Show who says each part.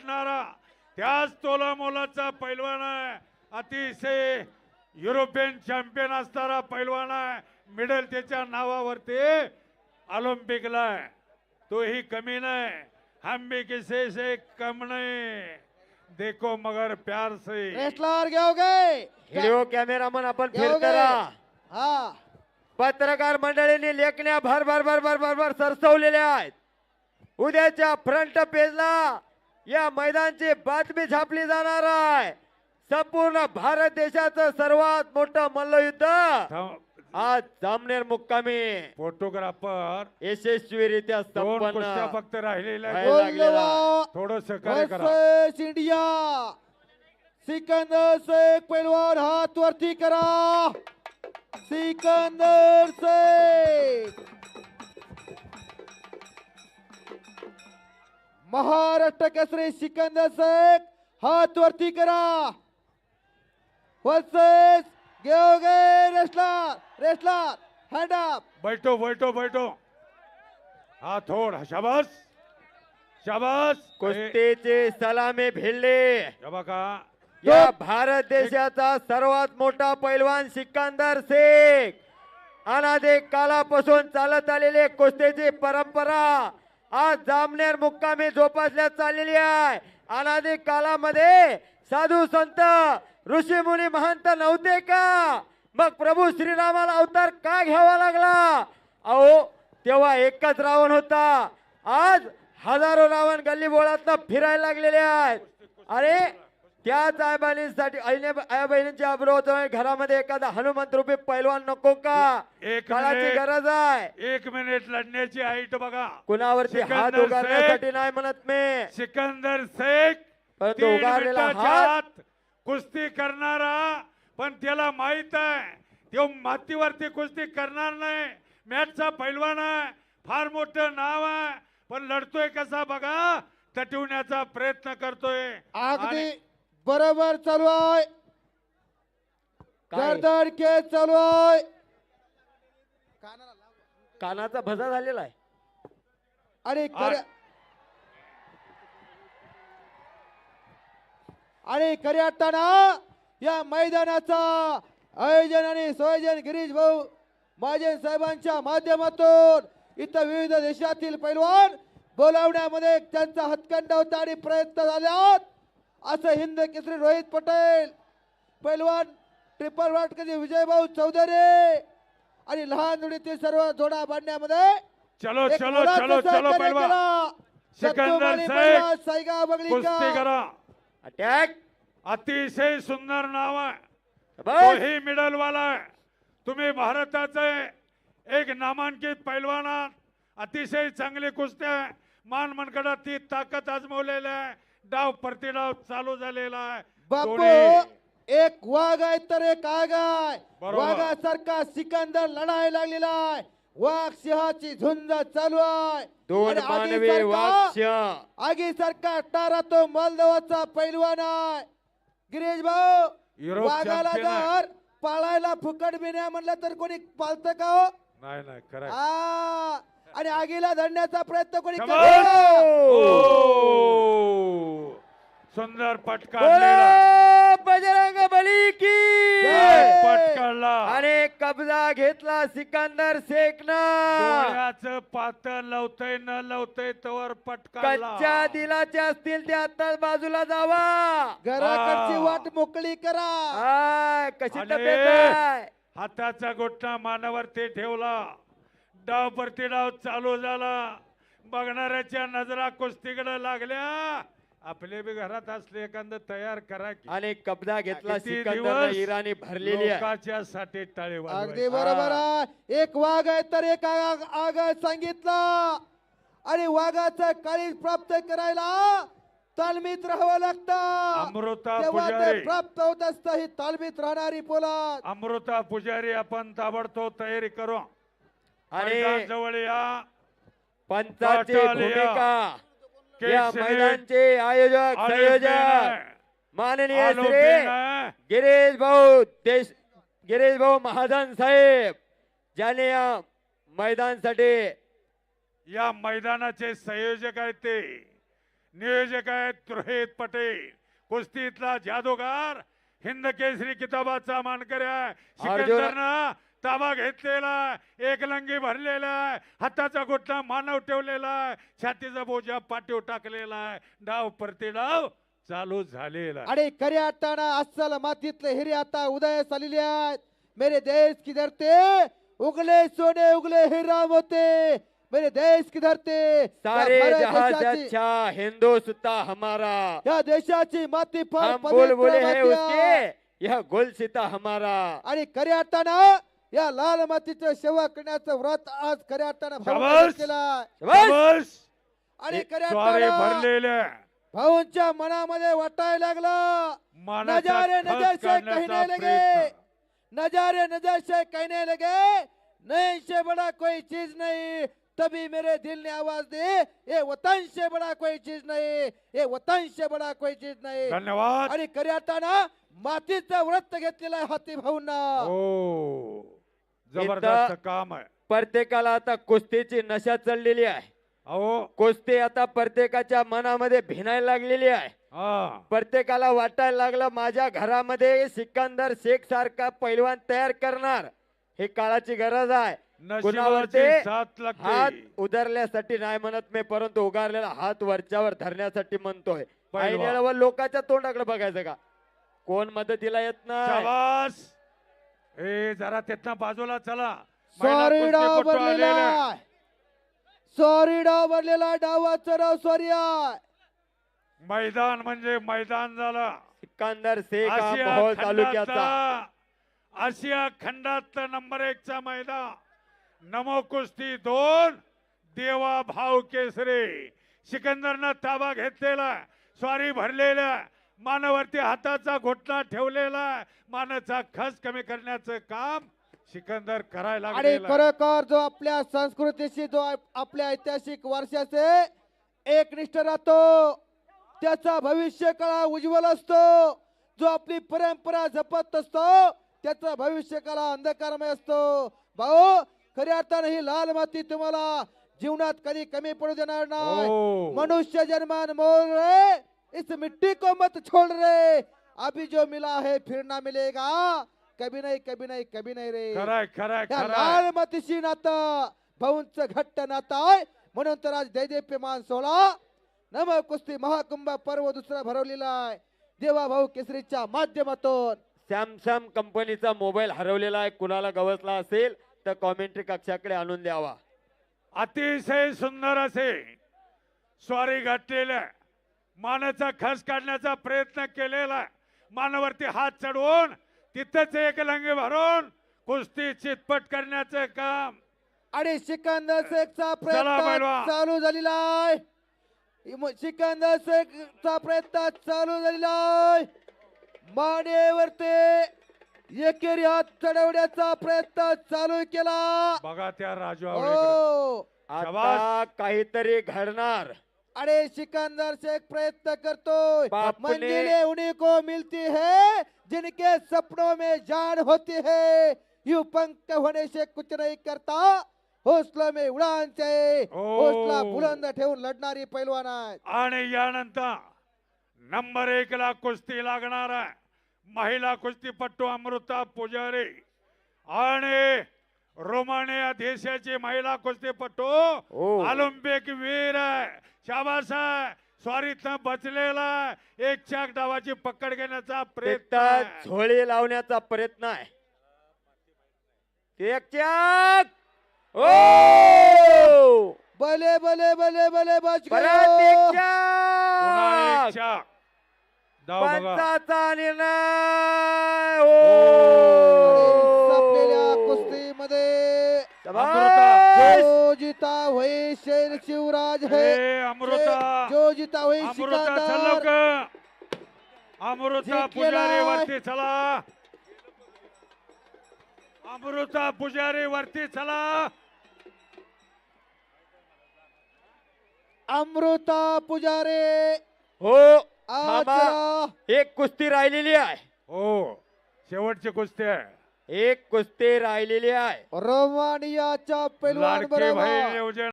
Speaker 1: वाटणारा त्याच तोला मोलाचा पैलवान आहे. अतिशय युरोपियन चॅम्पियन असणारा पैलवान आहे. मेडल त्याच्या नावावरती ऑलिम्पिकला आहे. तोही कमी नाही. हम भी किसी से कम नहीं. देखो मगर प्यार से.
Speaker 2: रेसलर घेओगे
Speaker 3: व्हिडिओ कॅमेरामन आपण फिर
Speaker 2: घेओगे
Speaker 3: करा.
Speaker 2: हा
Speaker 3: पत्रकार मंडळींनी लेखण्या भर भर भर भर भर भर सरसवलेल्या आहेत. उद्याच्या फ्रंट पेजला या मैदानाची बातमी छापली जाणार आहे. संपूर्ण भारत देशाचं सर्वात मोठं मल्लयुद्ध आज जामनेर मुक्कामी
Speaker 1: फोटोग्राफर
Speaker 3: यशस्वीरित्या
Speaker 1: दोन कुस्त्या
Speaker 3: संपन्न
Speaker 1: फक्त राहिलेल्या
Speaker 3: आहे.
Speaker 1: आहेत.
Speaker 2: बोलवा
Speaker 1: थोडं सहकार्य करा.
Speaker 2: Versus India. सिकंदर शेख पहलवान हाथ वरती करा. सिकंदर शेख महाराष्ट्र केसरी सिकंदर शेख हाथ वरती करा. वर्सेस घेओगे रेसलर रेसलर हँड अप.
Speaker 1: बैठो बैठो बैठो. हा थोड शाबास शाबास.
Speaker 3: कुस्तीचे सलामी भिडले.
Speaker 1: हे बघा
Speaker 3: या भारत देशाचा सर्वात मोठा पैलवान सिकंदर शेख. अनादी कालापासून चालत आलेली कुस्तीची परंपरा आज जामनेर मुक्कामी जोपासण्यात चाललेली आहे. अनादी कालामध्ये साधू संत ऋषी मुनी महंत नव्हते का? मग प्रभू श्रीरामाला अवतार का घ्यावा लागला? अहो तेव्हा एकच रावण होता. आज हजारो रावण गल्ली बोळातनं फिरायला लागलेले आहेत. अरे त्याच आई बहिणींच्या अब्रोह घरामध्ये एखादा हनुमंत रूपी पैलवान नको का?
Speaker 1: एक
Speaker 3: काळाची
Speaker 1: मिनिट.
Speaker 3: गरज आहे.
Speaker 1: 1 मिनिट लढण्याची हाईट बघा.
Speaker 3: कुणावरती हात
Speaker 1: सिकंदर
Speaker 3: उगारण्यासाठी नाही म्हणत मी,
Speaker 1: सिकंदर शेख
Speaker 3: परंतु
Speaker 1: 3
Speaker 3: उगारलेला
Speaker 1: मिनिटाच्या
Speaker 3: हात
Speaker 1: आत कुस्ती करणारा. पण त्याला माहित आहे तो मातीवरती कुस्ती करणार नाही. मॅचचा पैलवान आहे. फार मोठं नाव आहे. पण लढतोय कसा बघा. तटवण्याचा प्रयत्न करतोय.
Speaker 2: अगदी बरोबर चालू आहे.
Speaker 3: काय?
Speaker 2: गर्दन केस चालू आहे.
Speaker 3: कानाचा भजा झालेला आहे.
Speaker 2: आणि खऱ्या अर्थानं या मैदानाचा आयोजन आणि संयोजन गिरीश भाऊ महाजन साहेबांच्या माध्यमातून इथं विविध देशातील पैलवान बोलावण्यामध्ये त्यांचा हातखंडा होता आणि प्रयत्न झाल्यात. असं हिंद केसरी रोहित पटेल पैलवान ट्रिपल वाटकरी विजयभाऊ चौधरी आणि लहान जोडीतील सर्व जोडा बांधण्यामध्ये
Speaker 1: चलो
Speaker 2: एक
Speaker 1: चलो
Speaker 2: मोलाचं
Speaker 1: चलो चलो
Speaker 2: सहकार्य
Speaker 1: पैलवान.
Speaker 2: केलं.
Speaker 1: सिकंदर
Speaker 2: सत्तूमाली
Speaker 1: शेख
Speaker 2: पैलवान सायगा बगलिका.
Speaker 1: कुस्ती करा.
Speaker 3: अटॅक
Speaker 1: अतिशय सुंदर नाव आहे.
Speaker 3: बस.
Speaker 1: तोही मिडल वाला आहे. तुम्ही भारताचे एक नामांकित पैलवान आहात. अतिशय चांगली कुस्ती आहे. मान मनगडात ती ताकद आजमवलेली आहे. डाव प्रतिडाव चालू झालेला आहे.
Speaker 2: बापू
Speaker 1: दोन्ही
Speaker 2: एक वाघ आहे तर एक आग आहे.
Speaker 1: बरोबर.
Speaker 2: वाघासारखा सिकंदर लढायला लागलेला आहे. वाघ सिंहाची झुंज चालू आहे.
Speaker 3: दोन
Speaker 2: आणि
Speaker 3: मानवी
Speaker 2: आगीसारखा-
Speaker 3: वाक्य
Speaker 2: आगीसारखा टारा तो मोल्दोवाचा पैलवान आहे. गिरीश भाऊ
Speaker 1: युरोप
Speaker 2: वाघाला
Speaker 1: चॅम्पियन आहे.
Speaker 2: जर पाळायला फुकट बिन्या म्हणलं तर कोणी पाळतं का हो?
Speaker 1: नाही नाही खरं आहे.
Speaker 2: आ, आणि आगीला धरण्याचा प्रयत्न कोणी
Speaker 1: Come
Speaker 2: करतं
Speaker 1: on.
Speaker 2: का?
Speaker 1: ओ, सुंदर पटका
Speaker 3: बोलो बजरंग बली की
Speaker 2: जय.
Speaker 1: पटकाळला.
Speaker 3: आणि कब्जा घेतला सिकंदर शेखनं.
Speaker 1: डोळ्याचं पातळ लवतय न लवतय तवर पटकाळला.
Speaker 3: कच्च्या दिलाचे असतील ते आता बाजूला जावा.
Speaker 2: घराकडची
Speaker 1: आ.
Speaker 2: वाट मोकळी करा.
Speaker 3: हाय, कशी
Speaker 1: आणि
Speaker 3: तब्येत आहे?
Speaker 1: हाताचा गोठा मानावरती ठेवला. डाव प्रतिडाव चालू झाला. बघणाऱ्याच्या नजरा कुस्तीकडे लागल्या. आपले बी घरात असले एखादं तयार करा की.
Speaker 3: आणि कब्जा घेतला
Speaker 1: किती
Speaker 3: सिकंदर
Speaker 1: दिवस
Speaker 3: इराणी भरलेली आहे.
Speaker 1: लोकांच्या साठी टाळे
Speaker 2: अगदी
Speaker 1: वाजवायचे.
Speaker 2: बरोबर आहे. एक वाघ आहे तर एक आग आहे सांगितलं. आणि वाघाचं काळीज प्राप्त करायला तालमीत राहावं लागतं.
Speaker 1: अमृता
Speaker 2: तेव्हा ते
Speaker 1: पुजारी.
Speaker 2: प्राप्त होत असतं ही तालमीत राहणारी पोलाद.
Speaker 1: अमृता पुजारी आपण ताबडतोब तयारी करू.
Speaker 3: आणि
Speaker 1: मैदान जवळ या.
Speaker 3: पंचाची
Speaker 1: पाटाल या.
Speaker 3: भूमिका
Speaker 1: के
Speaker 3: या
Speaker 1: सिनेट.
Speaker 3: मैदानचे आयोजक
Speaker 1: ऑलिम्पिक
Speaker 3: संयोजक
Speaker 1: आहे.
Speaker 3: माननीय
Speaker 1: ऑलिम्पिक
Speaker 3: श्री
Speaker 1: आहे.
Speaker 3: गिरीश भाऊ महाजन साहेब ज्याने या मैदानासाठी
Speaker 1: या मैदानाचे संयोजक आहेत ते नियोजक आहेत रोहित पटेल, कुस्तीतला जादूगार, हिंद केसरी किताबाचा मानकरी आहे. सिकंदरनं ताबा घेतलेला आहे, एकलंगी भरलेला आहे, हाताचा घोटणा मानव ठेवलेला आहे, छातीचा बोजा पाठीव टाकलेला आहे. डाव परती डाव चालू झालेला आहे.
Speaker 2: आणि खऱ्या अर्थानं अस्सल मातीतले हिरे आता उदयास आलेले आहेत. मेरे देश की धरते उगले सोने उगले हिरा होते, मेरे देश की धरते
Speaker 3: सारे
Speaker 2: या भारत
Speaker 3: जहां से
Speaker 2: देशाची-
Speaker 3: अच्छा हिंदुस्तान हमारा,
Speaker 2: या देशाची माती फार
Speaker 3: हम
Speaker 2: पवित्र
Speaker 3: बुलबुले हैं
Speaker 2: माती आहे.
Speaker 3: उसके, यह गुलसिता हमारा.
Speaker 2: आणि खऱ्या अर्थानं या लाल मातीचं सेवा करण्याचं व्रत आज खऱ्या अर्थानं भाऊंनी
Speaker 1: शाबास.
Speaker 2: केलं आहे.
Speaker 1: शाबास.
Speaker 2: आणि खऱ्या
Speaker 1: स्वारे
Speaker 2: अर्थानं
Speaker 1: भरलेल्या
Speaker 2: भाऊंच्या मनामध्ये वाटायला लागलं,
Speaker 1: मानाचा
Speaker 2: नजारे
Speaker 1: खच
Speaker 2: नजर से
Speaker 1: काढण्याचा
Speaker 2: कहने लगे,
Speaker 1: प्रयत्न.
Speaker 2: नजारे नजर से कहने लगे, नहीं से बड़ा कोई चीज नहीं. तभी मेरे दिल ने आवाज दी, ये वतन से बड़ा कोई चीज नहीं, ये वतन से बड़ा कोई चीज नाही.
Speaker 1: धन्यवाद.
Speaker 2: आणि खऱ्या अर्थानं मातीचं व्रत घेतलेलं आहे हाती भाऊंना.
Speaker 1: हो जबरदस्त काम आहे.
Speaker 3: प्रत्येकाला आता कुस्तीची नशा चढलेली आहे.
Speaker 1: अहो
Speaker 3: कुस्ती आता प्रत्येकाच्या मनामध्ये भिनायला लागलेली आहे.
Speaker 1: हा
Speaker 3: प्रत्येकाला वाटायला लागलं माझ्या घरामध्ये सिकंदर शेख सारखा पैलवान तयार करणार, हे काळाची गरज आहे. कुणावरती
Speaker 1: नशिबाची साथ
Speaker 3: हात
Speaker 1: लागते.
Speaker 3: उधरल्यासाठी नाही म्हणत मी, परंतु उगारलेला हात वरच्यावर धरण्यासाठी म्हणतोय.
Speaker 1: पैलवान.
Speaker 3: ऐनवेळेवर लोकांच्या तोंडाकडे बघायचं का, कोण मदतीला येत नाही.
Speaker 1: शाबास. ए जरा तिथनं बाजूला चला. महिला
Speaker 2: सॉरी डाव
Speaker 1: कुस्तीपटू आलेले
Speaker 2: भरलेला
Speaker 1: आहे.
Speaker 2: आहे. सॉरी डाव भरलेला, डावाचं डाव सॉरी आहे.
Speaker 1: मैदान म्हणजे मैदान झालं.
Speaker 3: सिकंदर शेख हा
Speaker 1: आशिया
Speaker 3: मोहोळ तालुक्याचा.
Speaker 1: खंडातला आशिया खंडातलं नंबर 1 चा मैदान. नमो कुस्ती 2 देवा भाव केसरी. सिकंदरनं ताबा घेतलेला, स्वारी भरलेला, मानावरती हाताचा घोटणा ठेवलेला, मानाचा खस कमी करण्याचं काम सिकंदर करायला
Speaker 2: आणि
Speaker 1: लागलेला आहे.
Speaker 2: खरोखर जो आपल्या संस्कृतीशी जो आपल्या ऐतिहासिक वारशाचे एकनिष्ठ राहतो, त्याचा भविष्य काळ उज्ज्वल असतो. जो आपली परंपरा जपत असतो, त्याचा भविष्य काळ अंधकारमय असतो. भाऊ खऱ्या अर्थानं ही लाल माती तुम्हाला जीवनात कधी कमी पडू देणार नाही.
Speaker 1: हो.
Speaker 2: मनुष्य जन्मान मोल रे, इस मिट्टी को मत छोड़ रे, अभी जो मिला है फिर ना मिलेगा, कभी नाही कभी नाही कभी नाही रे.
Speaker 1: खराय खराय
Speaker 2: या
Speaker 1: खराय.
Speaker 2: लाल मातीशी नातं भाऊंचं घट्ट नातं आहे. म्हणून तर आज दैदेप्यमान सोहळा नम कुस्ती महाकुंभ पर्व दुसरा भरवलेला आहे देवा भाऊ केसरीच्या माध्यमातून.
Speaker 3: सॅमसंग कंपनीचा मोबाईल हरवलेला आहे, कुणाला गवसला असेल तर कॉमेंट्री कक्षाकडे आणून द्यावा.
Speaker 1: अतिशय सुंदर असे स्वारी घातलेल्या, मानाचा खस काढण्याचा प्रयत्न केलेला, मानावरती हात चढवून तिथंच एक लंगे भरून कुस्ती चितपट करण्याचं काम.
Speaker 2: आणि सिकंदर शेखचा
Speaker 1: चला
Speaker 2: प्रयत्न
Speaker 1: पैलवान.
Speaker 2: चालू झालेला आहे. सिकंदर शेखचा प्रयत्न चालू झालेला आहे. मानेवरती एकेरी हात चढवण्याचा प्रयत्न चालू केला.
Speaker 1: बघा त्या राजू आवळेकडे.
Speaker 2: हो
Speaker 3: आता काहीतरी घडणार.
Speaker 2: अरे सिकंदर शेख प्रयत्न करतोय.
Speaker 3: बाप ने-
Speaker 2: मंजिले उन्हीं को मिलती है जिनके सपनों में जान होती है. यूं पंख होने से कुछ नहीं करता, हौसला में उडान चाहिए.
Speaker 1: ओ.
Speaker 2: हौसला बुलंद ठेवून लढणारी पैलवान आहे.
Speaker 1: आणि यानंतर नंबर 1 ला कुस्ती लागणार आहे. महिला कुस्तीपट्टू अमृता पुजारी आणि रोमानिया देशाची महिला कुस्तीपट्टू
Speaker 3: ओ.
Speaker 1: ऑलिम्पिक वीर आहे. शाबास आहे. स्वारीतनं बचलेला आहे. एक चाक डावाची पकड घेण्याचा प्रयत्न
Speaker 3: तिथं
Speaker 1: आहे.
Speaker 3: झोळी लावण्याचा प्रयत्न आहे. एक चाक. ओ
Speaker 2: भले भले भले भले बच
Speaker 3: परत एक
Speaker 1: पुन्हा एक
Speaker 3: चाक.
Speaker 1: चाक. डाव बघा.
Speaker 3: पंचाचा निर्णय.
Speaker 2: संपलेल्या
Speaker 3: ओ
Speaker 2: कुस्तीमध्ये
Speaker 3: शाबास.
Speaker 2: जो जीता वही शेर शिवराज है.
Speaker 1: ए, अमृता.
Speaker 2: जो जीता वही
Speaker 1: अमृता चल
Speaker 2: सिकंदर.
Speaker 1: लवकर. अमृता
Speaker 2: जिंकलेला
Speaker 1: पुजारी
Speaker 2: आहे.
Speaker 1: वरती चला. अमृता पुजारी वरती चला.
Speaker 2: अमृता पुजारे
Speaker 3: हो
Speaker 2: आज
Speaker 3: थांबा. एक कुस्ती राहिलेली आहे.
Speaker 1: हो शेवटची कुस्ती आहे.
Speaker 3: एक कुस्ती राहिलेली आहे.
Speaker 2: रोमानियाच्या पैलवान
Speaker 1: लाडके भाई
Speaker 2: बरोबर
Speaker 1: नियोजन